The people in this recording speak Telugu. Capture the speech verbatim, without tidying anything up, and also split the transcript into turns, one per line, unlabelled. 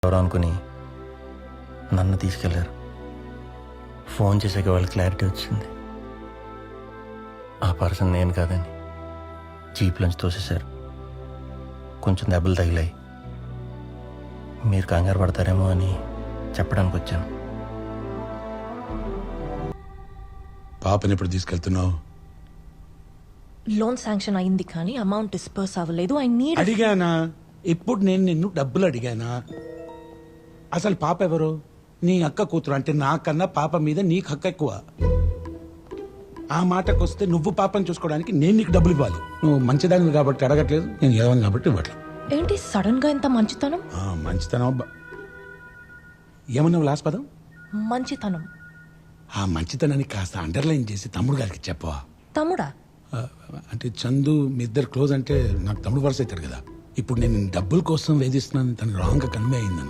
ఎవరో అనుకుని నన్ను తీసుకెళ్లారు. ఫోన్ చేసాక వాళ్ళ క్లారిటీ వచ్చింది. ఆ పర్సన్ నేను కాదని జీప్లోంచి తోసేశారు. కొంచెం దెబ్బలు తగిలాయి. మీరు కంగారు పడతారేమో అని చెప్పడానికి వచ్చాను.
పాపని ఎప్పుడు తీసుకెళ్తున్నావు?
లోన్ శాంక్షన్ అయింది కానీ అమౌంట్ డిస్పర్స్ అవ్వలేదు. ఐ నీడ్
అడిగానా? ఇప్పుడు నేను నిన్ను డబ్బులు అడిగానా? అసలు పాప ఎవరు? నీ అక్క కూతురు. అంటే నాకన్నా పాప మీద నీకు హక్కు ఎక్కువ. ఆ మాటకు వస్తే నువ్వు పాపని చూసుకోవడానికి నేను నీకు డబ్బులు ఇవ్వాలి. నువ్వు మంచిదాన్ని కాబట్టి అడగట్లేదు, నేను ఎదవని కాబట్టి ఇవ్వట్లేదు.
ఏంటి సడన్ గా ఇంత మంచితనం?
ఆ, మంచితనం అబ్బా. ఏమన్నావు లాస్ట్ పదం?
మంచితనం.
ఆ మంచితనాన్ని కాస్త అండర్లైన్ చేసి తమ్ముడు గారికి చెప్పవా?
తమ్ముడా?
ఆ, అంటే చందు మీ ఇద్దరు క్లోజ్ అంటే నాకు తమ్ముడు వరుస అవుతాడు కదా. ఇప్పుడు నేను డబ్బుల కోసం వేధిస్తున్నాను తను రాంగ్ గా కన్వే అయింది.